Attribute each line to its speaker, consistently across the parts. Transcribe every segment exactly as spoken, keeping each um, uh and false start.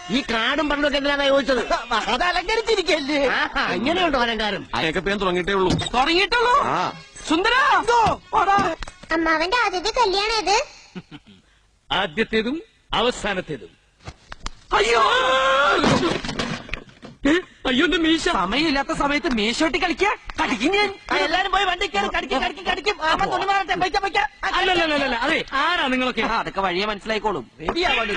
Speaker 1: ഈ കാടും പണ്ടൊക്കെ എന്തിനാണ് ചോദിച്ചത്?
Speaker 2: അത് അലങ്കരിച്ചിരിക്കല്ലേ.
Speaker 1: ഇങ്ങനെയുണ്ടോ അലങ്കാരം?
Speaker 3: അയക്കപ്പേൻ തുടങ്ങിയിട്ടേ ഉള്ളൂ.
Speaker 2: തുടങ്ങിയിട്ടുള്ളൂ. സുന്ദര
Speaker 4: അമ്മാവന്റെ ആദ്യത്തെ കല്യാണം ഇത്.
Speaker 5: ആദ്യത്തേതും അവസാനത്തേതും.
Speaker 2: അയ്യോ
Speaker 5: അയ്യോ എന്റെ മീശ.
Speaker 2: സമയമില്ലാത്ത സമയത്ത് മീശോട്ടി കളിക്കാ കടിക്കും ഞാൻ. എല്ലാരും പോയി വണ്ടി കയറി കടിക്കും കടിക്കും കടിക്കും. തുണി മാറട്ടെ. പൈക്ക പൈക്ക.
Speaker 5: അല്ലല്ല അതെ ആരാ നിങ്ങളൊക്കെ?
Speaker 2: അതൊക്കെ വഴിയെ മനസ്സിലായിക്കോളും. റെഡിയാവാണ്ട്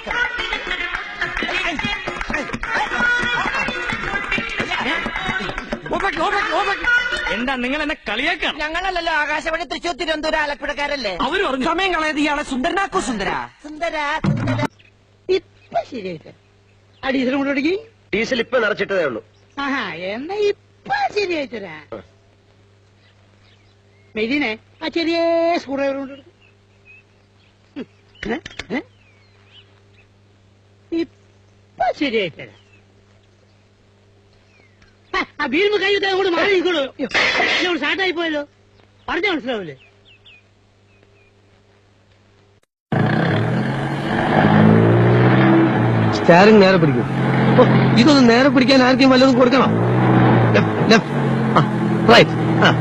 Speaker 5: എന്താ നിങ്ങൾ എന്നെ കളിയാക്കാം?
Speaker 2: ഞങ്ങളല്ലല്ലോ ആകാശവാണി തൃശൂർ തിരുവനന്തപുരം ആലപ്പുഴക്കാരല്ലേ.
Speaker 5: അവര് പറഞ്ഞു
Speaker 2: സമയം കളയത് ഇയാളെ സുന്ദരനാക്കോ. സുന്ദര സുന്ദര സുന്ദര
Speaker 6: ഇപ്പൊ ശരിയായിട്ട് ആ ഡീസൽ കൊണ്ടുപിടിക്ക്.
Speaker 1: ഡീസൽ ഇപ്പൊ നിറച്ചിട്ടതേ ഉള്ളൂ.
Speaker 6: ആഹാ എന്നാ ഇപ്പൊ ശരിയായിട്ടരാ. മെരീനെ ആ ചെറിയ സ്ക്രൂ ഡ്രൈവർ കൊണ്ടുപിടിക്ക്. ഇപ്പൊ ശരിയായിട്ടരാ. ആ വീഴുമ്പോ കൈ അങ്ങോട്ട് മാറി നിൽക്കണോ? സ്റ്റാർട്ടായി പോയല്ലോ. പറഞ്ഞ മനസ്സിലാവൂലേ?
Speaker 7: സ്റ്റാരിങ് നേരെ പിടിക്കും. ഇതൊന്ന് നേരെ പിടിക്കാൻ ആർക്കും വല്ലതും കൊടുക്കണം. റൈറ്റ്.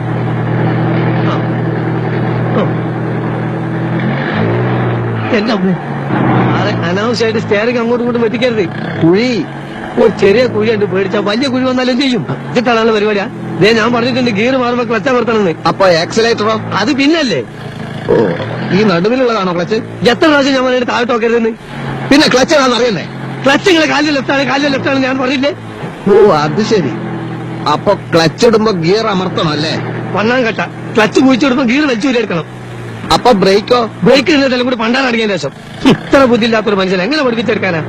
Speaker 7: എന്റെ അനാവശ്യമായിട്ട് സ്റ്റാരിങ് അങ്ങോട്ടും ഇങ്ങോട്ടും വെട്ടിക്കരുത്. കുഴി ഒരു ചെറിയ കുഴിയുണ്ട്, പേടിച്ചാ വലിയ കുഴി വന്നാലും ചെയ്യും. ഇതിട്ടാണ് പരിപാടിയാ. ദേ ഞാൻ പറഞ്ഞിട്ടുണ്ട് ഗിയർ മാറുമ്പോ ക്ലച്ച് അമർത്തണമെന്ന്.
Speaker 1: അപ്പൊ ആക്സിലേറ്ററോ?
Speaker 7: അത് പിന്നല്ലേ.
Speaker 1: ഓ, ഈ നടുവിലുള്ളതാണോ ക്ലച്ച്?
Speaker 7: എത്ര പ്രാവശ്യം ഞാൻ പറഞ്ഞിട്ട് താഴോട്ട് നോക്കരുതെന്ന്.
Speaker 1: പിന്നെ ക്ലച്ച് ആണെന്ന് അറിയണ്ടേ?
Speaker 7: ക്ലച്ച് നിങ്ങളെ കാലിൽ ലെഫ്റ്റാണ് കാലിൽ ലെഫ്റ്റാണ് ഞാൻ പറഞ്ഞില്ലേ?
Speaker 1: ഓ അത് ശരി. അപ്പൊ ക്ലച്ച് ഇടുമ്പോ ഗിയർ അമർത്തണം അല്ലേ?
Speaker 7: വണ്ണാൻ കട്ട ക്ലച്ച് കുഴിച്ചെടുമ്പോ ഗിയർ വലിച്ചു എടുക്കണം.
Speaker 1: അപ്പൊ ബ്രേക്കോ?
Speaker 7: ബ്രേക്ക് ഇടുന്നതെല്ലാം കൂടി പണ്ടാൻ അടിക്കാൻ ശേഷം. ഇത്ര ബുദ്ധിയില്ലാത്തൊരു മനുഷ്യൻ എങ്ങനെ പഠിപ്പിച്ചെടുക്കാനാ?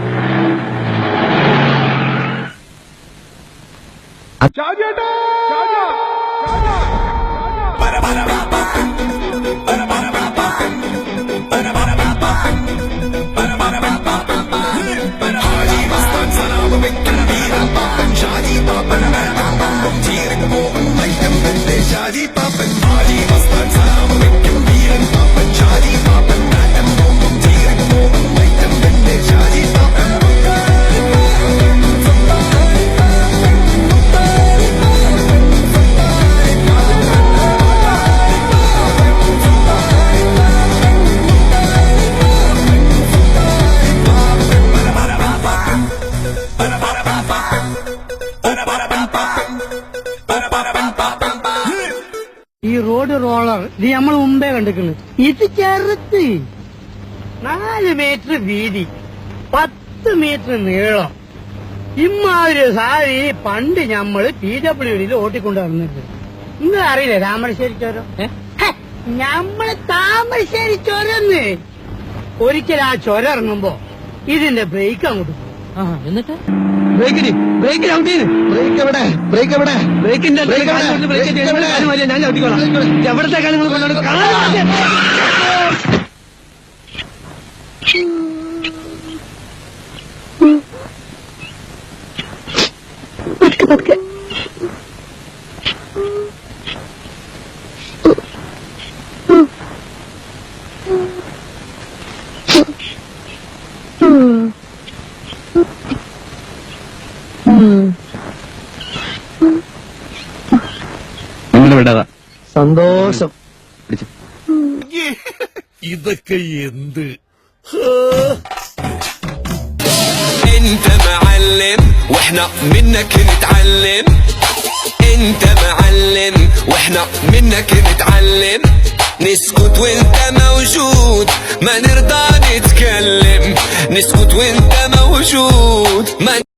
Speaker 6: ഈ റോഡ് റോളർ ഇത് നമ്മൾ മുമ്പേ കണ്ടിരിക്കുന്നു. ഇത് ചെറുത്ത് നാല് മീറ്റർ വീതി, പത്ത് മീറ്റർ നീളം. ഇമ്മാതിരി സാരി പണ്ട് ഞമ്മള് പി ഡബ്ല്യു ഡിയിൽ ഓട്ടിക്കൊണ്ട് വന്നിട്ടുണ്ട്. നിങ്ങൾ അറിയില്ലേ താമരശ്ശേരി ചോരം? ഞമ്മള് താമരശ്ശേരി ചോരന്ന്. ഒരിക്കൽ ആ ചൊര ഇറങ്ങുമ്പോ ഇതിന്റെ ബ്രേക്ക് അങ്ങോട്ട് പോകും. എന്നിട്ട്
Speaker 7: ബ്രേക്കിന് ബ്രേക്കിന് ഔട്ടിന്
Speaker 1: ബ്രേക്ക് എവിടെ? ബ്രേക്ക് എവിടെ?
Speaker 7: ബ്രേക്കിന്റെ ഞാൻ ചവിട്ടിക്കോളാം. എവിടത്തേക്കാണ് നിങ്ങൾ കൊണ്ടുപോകുന്നത്? സന്തോഷം.
Speaker 5: ഇതൊക്കെ എന്ത്?
Speaker 8: انت معلم واحنا منك نتعلم. انت معلم واحنا منك نتعلم. نسكت وانت موجود ما نرضى نتكلم. نسكت وانت موجود ما